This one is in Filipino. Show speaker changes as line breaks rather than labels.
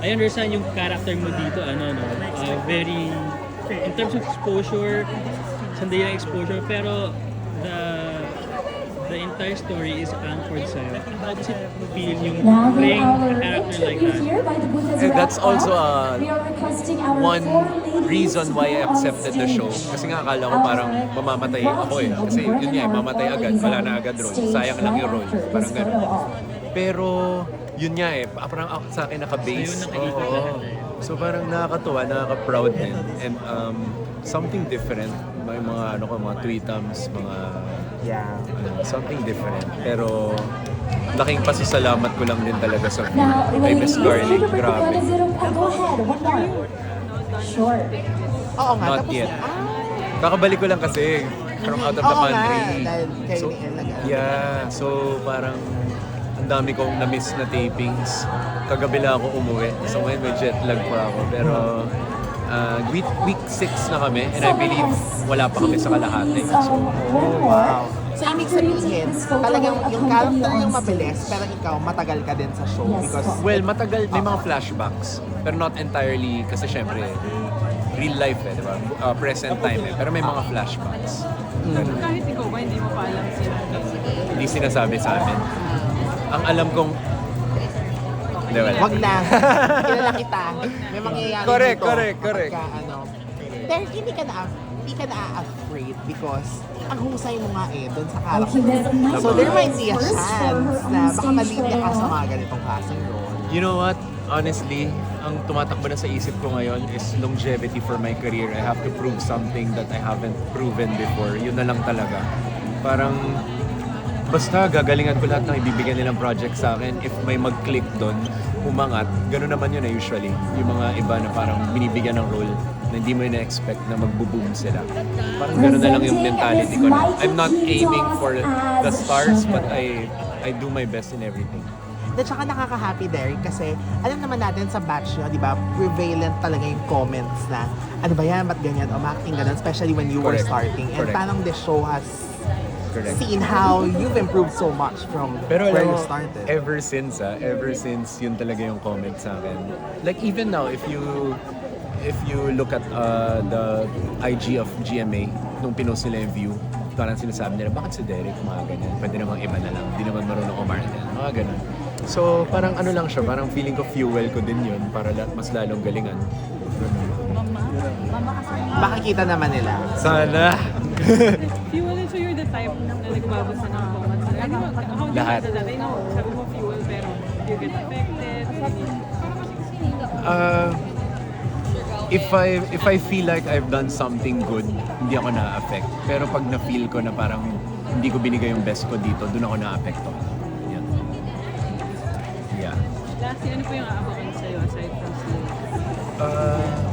I understand yung character mo dito, very, in terms of exposure, sandali lang exposure, pero the entire story is anchored sa'yo. How does it feel yung
Now may
playing
our
a character like
interview
that?
here by the booth has
And that's
wrapped
also
up. We are requesting our
one
four ladies
reason
to
why I
go on
accepted the show.
stage.
Kasi nga akala ko parang mamamatay ako eh. Kasi yun nga, mamatay agad, wala na agad role. Sayang lang yung role. Parang ganun. Pero yun nga eh, parang ako sa akin naka-base.
Sa'yo nakikita
Oo.
lahat eh.
So parang nakakatuwa, nakaka-proud din. And something different. May mga mga tweetums, mga something different. Pero laking pasasalamat ko lang din talaga sa
Now,
kay Miss Garlic.
Go
Grabe.
ahead, one more. Sure.
Oo nga,
Not
tapos
yet. Kakabalik ko lang kasi from out of the
Oo nga,
country.
dahil kayo
So,
ni Ella nga.
yeah, so parang ang dami kong na-miss na tapings. Kagabi lang ako umuwi. So ngayon may jet lag pa ako. Pero week 6 na kami and I believe wala pa kami sa kalahati. So,
Wow. So, ibig sabihin, talagang yung character yung mabilis, pero ikaw matagal ka din sa show because
well, matagal, may mga flashbacks. Pero not entirely, kasi syempre, real life eh, di ba? Present time eh. Pero may mga flashbacks.
Kahit ikaw ba, hindi mo pa alam sila.
Hindi sinasabi sa amin. Ang alam kong... Hindi, wala.
wag na. Kilala kita. May mangyayari
Correct,
dito.
correct.
Pero hindi ka na-afraid because ang husay mo nga eh doon sa
Okay,
character.
there's a nice
So there might be a
first for
chance
her
na
on
baka
stage
malinya ka sa
player.
mga ganitong klaseng role.
You know what? Honestly, ang tumatakbo na sa isip ko ngayon is longevity for my career. I have to prove something that I haven't proven before. Yun na lang talaga. Parang, basta gagalingan ko lahat ng ibibigyan nilang project sa akin. If may mag-click doon, umangat. Ganun naman yun usually. Yung mga iba na parang binibigyan ng role na hindi mo na-expect na magbo-boom sila. Parang ganun na lang yung mentality ko na. I'm not aiming for the stars, but I do my best in everything.
At saka nakaka-happy Derek kasi alam naman natin sa batch nyo, di ba, prevalent talaga yung comments na ano ba yan, ba't ganyan, o acting ganun, especially when you were
Correct.
starting. And
Correct.
parang the show has
Correct.
seen how you've improved so much from
Pero
where
alam
you
mo,
started.
ever since yun talaga yung comment sa akin. Like even now, if you look at the IG of GMA, nung pinost nila yung view, parang sinasabi nila, bakit si Derek mga ganyan? Pwede namang iba na lang, hindi naman marunong umarte, mga ganun. So parang ano lang siya, parang feeling ko fuel ko din yun para mas lalong galingan.
Makikita naman nila.
Sana!
Fuel, so you're the type na nagbabasa ng comments. How do you
Lahat.
handle that? I know, sabi mo fuel, pero you get affected.
If I feel like I've done something good, hindi ako na-affect. Pero pag na-feel ko na parang hindi ko binigay yung best ko dito, doon ako na-affecto. Yan. Yeah.
Lastly, ano po yung aabangan sa'yo aside from sleep?